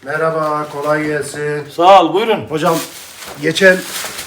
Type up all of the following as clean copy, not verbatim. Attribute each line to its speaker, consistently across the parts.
Speaker 1: Merhaba, kolay gelsin.
Speaker 2: Sağ ol, buyurun.
Speaker 1: Hocam, geçen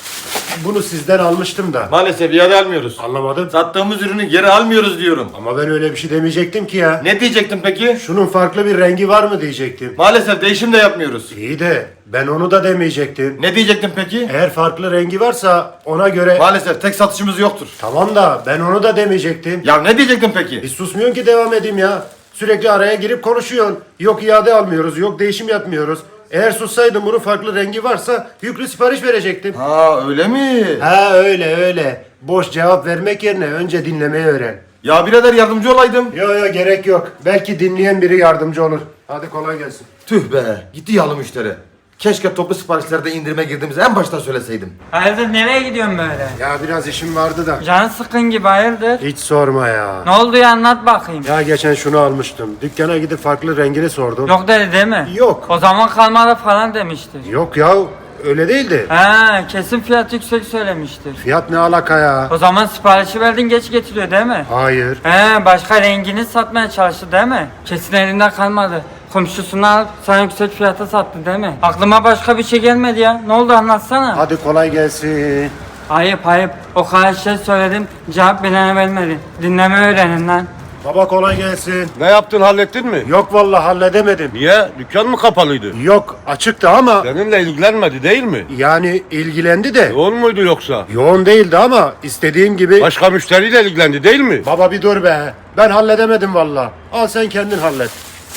Speaker 1: bunu sizden almıştım da.
Speaker 2: Maalesef iade almıyoruz.
Speaker 1: Anlamadım.
Speaker 2: Sattığımız ürünü geri almıyoruz diyorum.
Speaker 1: Ama ben öyle bir şey demeyecektim ki ya.
Speaker 2: Ne diyecektin peki?
Speaker 1: Şunun farklı bir rengi var mı diyecektim.
Speaker 2: Maalesef değişim de yapmıyoruz.
Speaker 1: İyi de ben onu da demeyecektim.
Speaker 2: Ne diyecektin peki?
Speaker 1: Eğer farklı rengi varsa ona göre...
Speaker 2: Maalesef tek satışımız yoktur.
Speaker 1: Tamam da ben onu da demeyecektim.
Speaker 2: Ya ne diyecektin peki?
Speaker 1: Hiç susmuyorsun ki devam edeyim ya. Sürekli araya girip konuşuyorsun. Yok iade almıyoruz, yok değişim yapmıyoruz. Eğer sussaydım bunun farklı rengi varsa yüklü sipariş verecektim.
Speaker 2: Ha öyle mi?
Speaker 1: Ha öyle. Boş cevap vermek yerine önce dinlemeyi öğren.
Speaker 2: Ya birader yardımcı olaydım.
Speaker 1: Yo gerek yok. Belki dinleyen biri yardımcı olur. Hadi kolay gelsin.
Speaker 2: Tüh be, gitti yağlı müşteri. Keşke toplu siparişlerde indirime girdiğimizi en baştan söyleseydim.
Speaker 3: Hayırdır nereye gidiyorsun böyle?
Speaker 1: Ya biraz işim vardı da.
Speaker 3: Canın sıkın gibi hayırdır?
Speaker 1: Hiç sorma ya.
Speaker 3: Ne oldu ya anlat bakayım.
Speaker 1: Ya geçen şunu almıştım. Dükkana gidip farklı rengini sordum.
Speaker 3: Yok dedi değil mi?
Speaker 1: Yok.
Speaker 3: O zaman kalmadı falan demiştir.
Speaker 1: Yok ya öyle değildi.
Speaker 3: He kesin fiyat yüksek söylemiştir.
Speaker 1: Fiyat ne alaka ya?
Speaker 3: O zaman siparişi verdin geç getiriyor değil mi?
Speaker 1: Hayır.
Speaker 3: He başka rengini satmaya çalıştı değil mi? Kesin elinden kalmadı. Komşusunu alıp sana yüksek fiyata sattı değil mi? Aklıma başka bir şey gelmedi ya. Ne oldu anlatsana.
Speaker 1: Hadi kolay gelsin.
Speaker 3: Ayıp. O kadar şey söyledim. Cevap bile vermedi. Dinleme öğrenin lan.
Speaker 1: Baba kolay gelsin.
Speaker 4: Ne yaptın, hallettin mi?
Speaker 1: Yok vallahi halledemedim.
Speaker 4: Niye? Dükkan mı kapalıydı?
Speaker 1: Yok açıktı ama
Speaker 4: Seninle ilgilenmedi değil mi?
Speaker 1: yani ilgilendi de.
Speaker 4: Yoğun muydu yoksa?
Speaker 1: Yoğun değildi ama istediğim gibi.
Speaker 4: Başka müşteriyle ilgilendi değil mi?
Speaker 1: Baba bir dur be. Ben halledemedim vallahi. Al sen kendin hallet.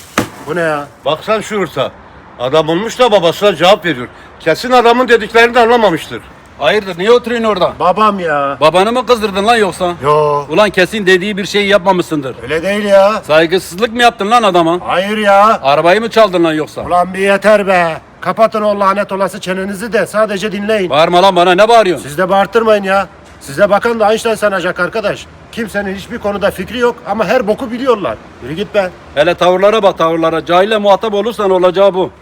Speaker 1: Bu ne ya?
Speaker 4: Baksan şu hırsa. Adam olmuş da babasına cevap veriyor. Kesin adamın dediklerini de anlamamıştır.
Speaker 5: Hayırdır niye oturuyorsun orada?
Speaker 1: Babam ya.
Speaker 5: Babanı mı kızdırdın lan yoksa?
Speaker 1: Yo
Speaker 5: Ulan kesin dediği bir şeyi yapmamışsındır.
Speaker 1: öyle değil ya.
Speaker 5: Saygısızlık mı yaptın lan adama?
Speaker 1: Hayır ya.
Speaker 5: Arabayı mı çaldın lan yoksa?
Speaker 1: Ulan bir yeter be. Kapatın o lanet olası çenenizi de sadece dinleyin.
Speaker 5: Bağırma lan bana ne bağırıyorsun?
Speaker 1: Siz de bağırtırmayın ya. Size bakan da Einstein sanacak arkadaş. Kimsenin hiçbir konuda fikri yok ama her boku biliyorlar. Yürü git be.
Speaker 5: Hele tavırlara bak tavırlara. Cahille muhatap olursan olacağı bu.